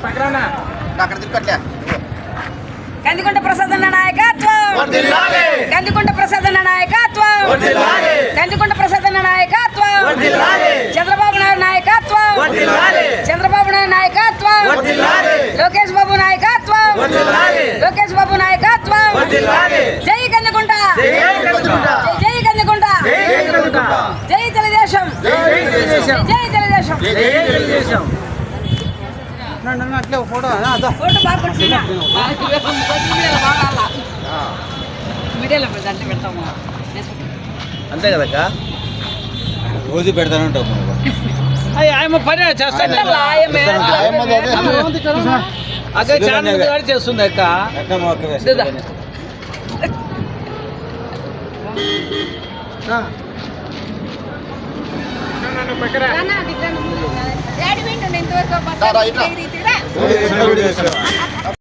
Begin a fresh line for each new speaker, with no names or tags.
కందికొండ ప్రసాదన్న నాయకత్వం కందికొండ ప్రసాదన్న నాయకత్వం కందికొండ ప్రసాదన్న నాయకత్వం చంద్రబాబు నాయుడు నాయకత్వం చంద్రబాబు నాయుడు నాయకత్వం లోకేష్ బాబు నాయకత్వం లోకేష్ బాబు నాయకత్వం జై కందికొండ జై కందికొండ జై తెలుగుదేశం జై తెలుగుదేశం
అట్లే ఫోటో
ఫోటో బాగా పట్టుకున్నా మీడియాలో అంటే పెడతాము
అంతే కదక్క
రోజు పెడతానే ఉంటాం
ఆయమ్మ పని చేస్తాను అక్క చాలా చేస్తుంది అక్క
డాడీ వింటుండే ఇంతవరకు